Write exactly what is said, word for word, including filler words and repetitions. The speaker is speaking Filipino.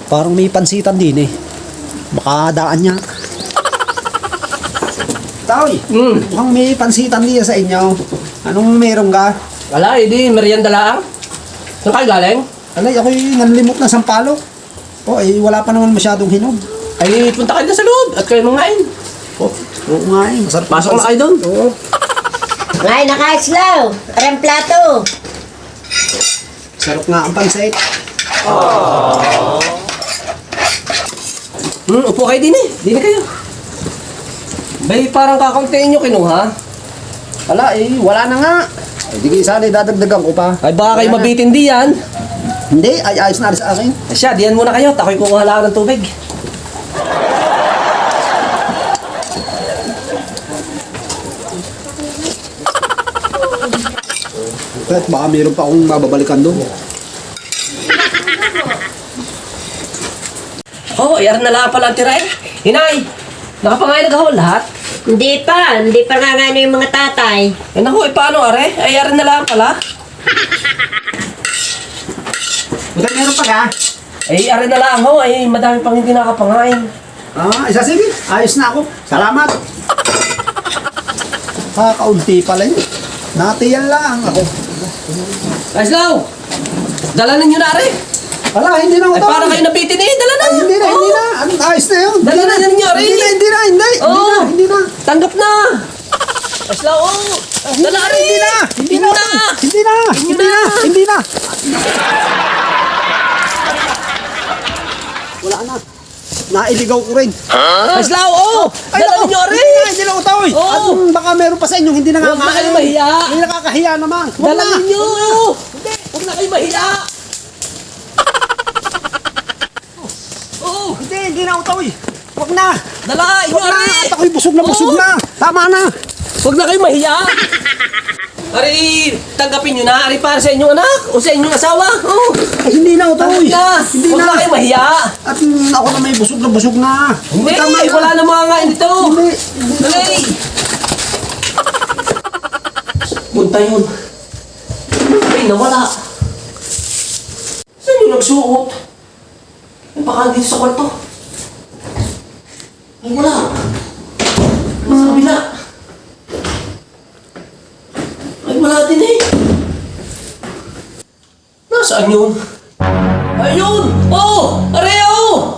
Parang may pansitan din eh. Baka daan niya. Taoy, Hmm. mukhang may pansitan din sa inyo. Anong meron ka? Wala, hindi. Merienda lang. Saan kayo galing? Alay, ako'y nanlimot na sampalok. O, eh, wala pa naman masyadong hinog. Ay, punta kayo na sa loob at kayo mangain. Oh, oo nga eh. Masarap. Pasok na kayo doon. Oo. Ngay, nakaislaw. Arang plato. Sarap nga ang pansit. Hmm, upo kayo din eh. Din kayo. Bay, parang kakauntiin nyo kinuha. Wala eh, wala na nga. Ay, di kayo sana dadagdagan ko pa. Ay, baka kayo Wala na. mabitin di yan. Hindi, ay ayos na rin sa akin. Ay siya, diyan muna kayo. Takoy kukuha lang ng tubig. Kahit baka meron pa akong mababalikan doon. Oh, yaran na lang pala ang tira eh. Hinay, nakapangain na gahol lahat. Hindi pa. Hindi pa nga nga yung mga tatay. Eh naku, eh paano are? Ay, yaran na lang pala. Bukan meron pa ka? Ay, yaran na lang ho. Ay, madami pang hindi nakapangain. Ah, isa sige. Ayos na ako. Salamat. Kakaunti pala yun. Natiyan lang ako. Kaislaw! Dala ninyo na are. Wala, hindi na ako Ay, to. para kayo nabitin eh. Dala na. Ay, hindi na, hindi Oo. na. Ano, ayos na yun. Dala Hindi na ninyo, Ray. Hindi na, hindi na, hindi. Hindi Oo. na, hindi na. Tanggap na. Kaislaw, oh. Dala are. Hindi na, hindi na. na. Hindi na, hindi na, hindi na. Wala na. Nailigaw ko rin. Kaislaw, oh. Ay, Dala naku, ninyo are. Hindi na, hindi na utaw eh. Oo. At mm, baka meron pa sa inyo, hindi na nga Huwag na nga- kayo mahiya. Hindi nakakahiya naman. Huwag Dala na. ninyo. Hindi. Huwag na kayo mahiya. Oh. Hindi, hindi na utaw eh. Huwag na. Dala, inyo Huwag na. are. At ako'y busog na busog Oo. na. Tama na. Huwag na kayo mahiya. Ari, tanggapin nyo na. Ari, para sa inyong anak o sa inyong asawa. Oh. Ay, hindi na utaw Tanggap eh. na. Hindi Huwag na. na kayo mahiya. At mm, ako na may busog na busog na. Hindi, Tama na. wala na mga ngayon dito. Hindi. Dali. Punta yun. Ay, nawala. Saan yung nagsuot? Ay, baka dito sa kwarto. Ay, wala. Nasa kabila. Ay, wala din eh. Nasaan yun? Ayun! Oh! Areo!